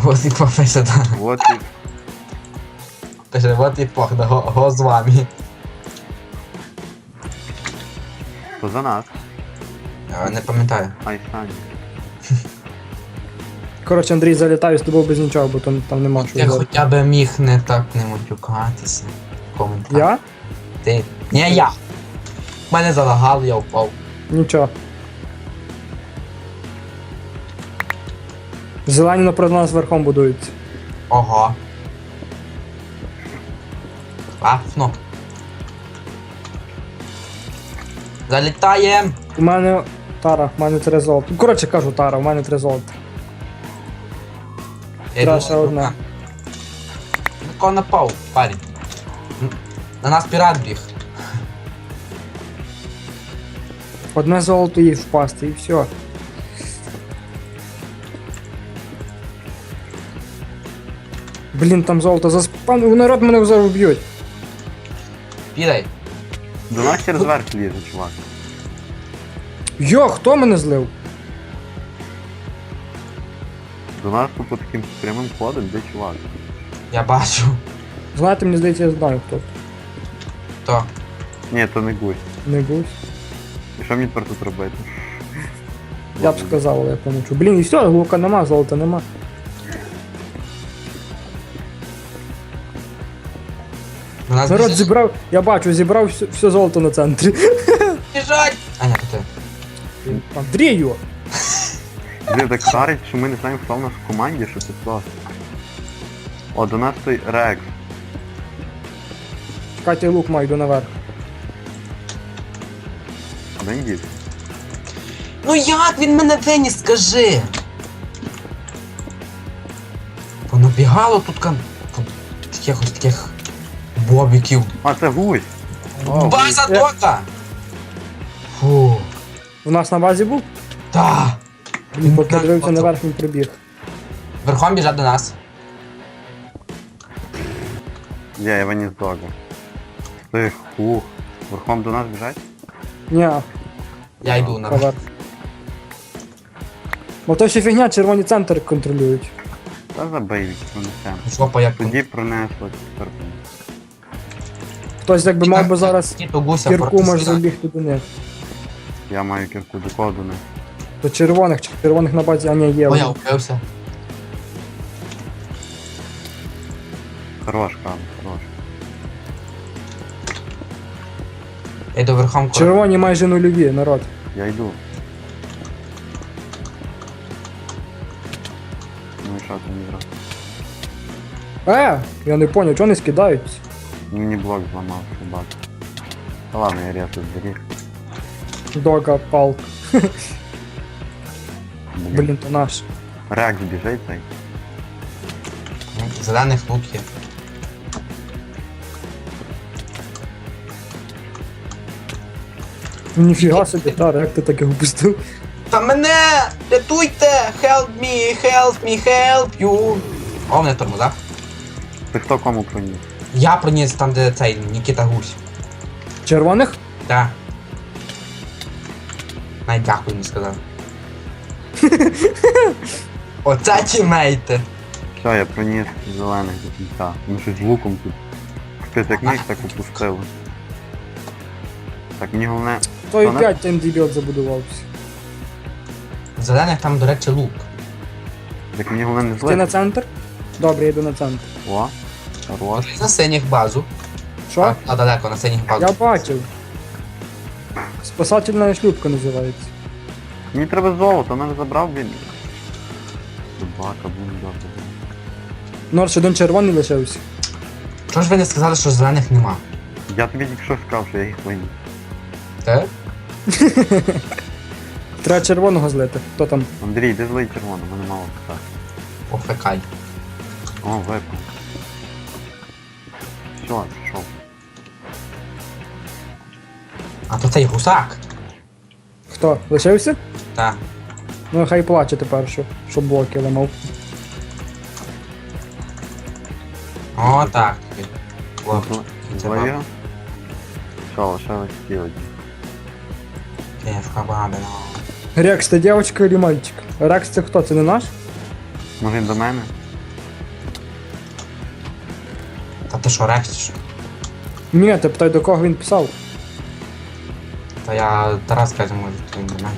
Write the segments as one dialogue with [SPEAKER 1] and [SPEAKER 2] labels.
[SPEAKER 1] Вот і пише, да.
[SPEAKER 2] Вот і...
[SPEAKER 1] Пише, вот і пох, да, го з вами.
[SPEAKER 2] То за нас.
[SPEAKER 1] Я не пам'ятаю.
[SPEAKER 2] Ай, Саня.
[SPEAKER 3] Коротше, Андрій, залітаю з тобою без нічого, бо там нема що
[SPEAKER 1] Ти
[SPEAKER 3] говорити.
[SPEAKER 1] хоча б міг не так не матюкатися. В коментарях.
[SPEAKER 3] Я?
[SPEAKER 1] Ти. Ні, я. Мене залагало, я впав.
[SPEAKER 3] Нічого. Зелені напроти нас верхом будуються.
[SPEAKER 1] Ого. Класно. Залітаєм!
[SPEAKER 3] У мене Тара, в мене 3 золота. Коротше кажу Тара, у мене 3 золота.
[SPEAKER 1] Я йду
[SPEAKER 3] Краще
[SPEAKER 1] на
[SPEAKER 3] одне.
[SPEAKER 1] рука. Тако напав, парень. На нас пірат біг.
[SPEAKER 3] Одне золото їй впасти і все. Блін, там золото заспан. Народ мене зараз вб'ють.
[SPEAKER 1] Підай.
[SPEAKER 2] До нас через верх лізе, чувак.
[SPEAKER 3] Йо, хто мене злив?
[SPEAKER 2] До нас по таким прямим ходом, де чувак.
[SPEAKER 1] Я бачу.
[SPEAKER 3] Знаєте, мені здається, я знаю хто.
[SPEAKER 1] То.
[SPEAKER 2] Ні, то не гусь.
[SPEAKER 3] Не гусь.
[SPEAKER 2] І що мені тепер тут робити?
[SPEAKER 3] Я б сказав, але я помочу. Блін, і все, лука нема, золота нема.
[SPEAKER 1] У нас
[SPEAKER 3] Народ
[SPEAKER 1] біжить.
[SPEAKER 3] зібрав, я бачу, зібрав все золото на центрі.
[SPEAKER 1] Біжать! А, ні, то ти.
[SPEAKER 3] Андрію!
[SPEAKER 2] Блін, так шарить, що ми не знаємо, хто в нас в команді, що це просто. О, до нас той Рекс.
[SPEAKER 3] Чекайте, лук маю, йду наверх.
[SPEAKER 2] Де він дівся?
[SPEAKER 1] Ну як він мене виніс, скажи? Понабігало тут якихось таких бобіків.
[SPEAKER 2] А, це гусь! О,
[SPEAKER 1] База дока! Фу.
[SPEAKER 3] В нас на базі був?
[SPEAKER 1] Та.
[SPEAKER 3] Блін, поки я дивився наверх, він прибіг.
[SPEAKER 1] Верхом біжать до нас.
[SPEAKER 2] Я виніс дога. Ти хух. Верхом до нас біжать?
[SPEAKER 3] Ні,
[SPEAKER 1] Я йду на.
[SPEAKER 3] наверх. Бо то ще фігня, червоні центр контролюють.
[SPEAKER 2] Та забий, пронесемо.
[SPEAKER 1] Жопа як
[SPEAKER 2] Тоді пронесло, тепер.
[SPEAKER 3] Хтось якби мав би зараз
[SPEAKER 1] Кіто гуся
[SPEAKER 3] кірку може
[SPEAKER 1] протискати.
[SPEAKER 3] забігти до них.
[SPEAKER 2] Я маю кірку до кого до них.
[SPEAKER 3] До червоних на базі, а ні, є.
[SPEAKER 1] О, я упився.
[SPEAKER 2] Хорош, кам, хорош.
[SPEAKER 1] Я йду верхом.
[SPEAKER 3] Червоні майже нульові, народ.
[SPEAKER 2] Я йду. Ну і що ти не грав?
[SPEAKER 3] Я не поняв, чого не скидаються?
[SPEAKER 2] Мені блок зламав, собак. Та ладно, я ряту зберіг.
[SPEAKER 3] Дога, палк. Блін, то наш.
[SPEAKER 2] Рекс біжить цей.
[SPEAKER 1] Зелених лук є.
[SPEAKER 3] Ніфіга собі, Тара, як ти таке упустив?
[SPEAKER 1] Та мене! Рятуйте! Help me, help me, help you! О, мене тормоза.
[SPEAKER 2] Ти хто кому проніс?
[SPEAKER 1] Я проніс там, де цей Нікіта Гусь.
[SPEAKER 3] Червоних?
[SPEAKER 1] Так. Навіть дякую не сказав. Оце тімейти.
[SPEAKER 2] Все, я проніс зелених до кінця. Ну щось з луком тут. Хтось як міг, так упустило. Так, мені головне...
[SPEAKER 3] Той
[SPEAKER 2] Вона?
[SPEAKER 3] 5 там дебіот забудувався.
[SPEAKER 1] Зелених там, до речі, лук.
[SPEAKER 2] Так мені головне не
[SPEAKER 3] Ти на
[SPEAKER 2] злити.
[SPEAKER 3] центр? Добре, я йду на центр.
[SPEAKER 2] О, хорош.
[SPEAKER 1] На синіх базу.
[SPEAKER 3] Що?
[SPEAKER 1] А далеко, на синіх базу.
[SPEAKER 3] Я бачив. Спасательна шлюпка називається.
[SPEAKER 2] Мені треба золото, мене забрав він. Собака, блін, добре.
[SPEAKER 3] Норш, один червоний лишився.
[SPEAKER 1] Чого ж ви не сказали, що зелених нема?
[SPEAKER 2] Я тобі тільки що сказав, що я їх виніс.
[SPEAKER 1] Те?
[SPEAKER 3] Треба червоного злити. Хто там?
[SPEAKER 2] Андрій, де злий червоно, мене мало питати.
[SPEAKER 1] Пофекай.
[SPEAKER 2] О, випав. Все, пішов.
[SPEAKER 1] А то цей гусак.
[SPEAKER 3] Хто? Лишився?
[SPEAKER 1] Так.
[SPEAKER 3] Ну хай плаче тепер, що блоки ламав.
[SPEAKER 1] О, так. О, це
[SPEAKER 2] Злий
[SPEAKER 1] баба.
[SPEAKER 2] його? Що, лишилось ті одні.
[SPEAKER 1] Київка бабина.
[SPEAKER 3] Рекс, ти дівчинка чи мальчик? Рекс це хто? Це не наш?
[SPEAKER 2] Може він до мене?
[SPEAKER 1] ти що, рекс?
[SPEAKER 3] Ні, ти питай, до кого він писав.
[SPEAKER 1] Та я Тарас каже, може, то він до мене.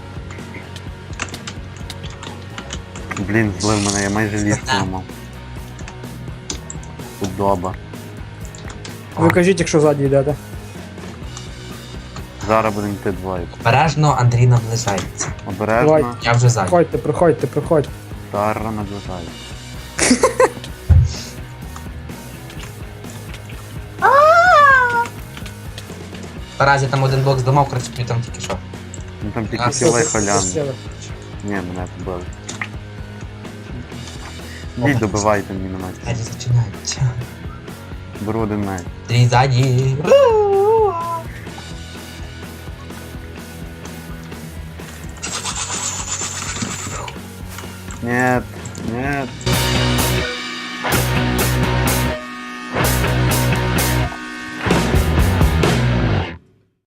[SPEAKER 2] Блін, злив мене, я майже ліжко ламав. Удоба.
[SPEAKER 3] Ви кажіть, якщо ззаді йдете.
[SPEAKER 2] Зараз будемо йти двоє.
[SPEAKER 1] Обережно Андрій наближається.
[SPEAKER 2] Обережно.
[SPEAKER 3] Давай.
[SPEAKER 1] Я вже ззаді.
[SPEAKER 3] Проходьте.
[SPEAKER 2] Тара наближає.
[SPEAKER 1] Тарас, я там один блок зламав, коротше, тобі там тільки що.
[SPEAKER 2] Ну там
[SPEAKER 1] А,
[SPEAKER 2] тільки
[SPEAKER 1] все,
[SPEAKER 2] кілей
[SPEAKER 3] Все,
[SPEAKER 2] холян.
[SPEAKER 3] сіли.
[SPEAKER 2] Ні, мене побили. Йдіть, добивайте міномет.
[SPEAKER 1] Двері зачиняються.
[SPEAKER 2] Беру один меч.
[SPEAKER 1] Андрій ззаді.
[SPEAKER 2] Нет, нет.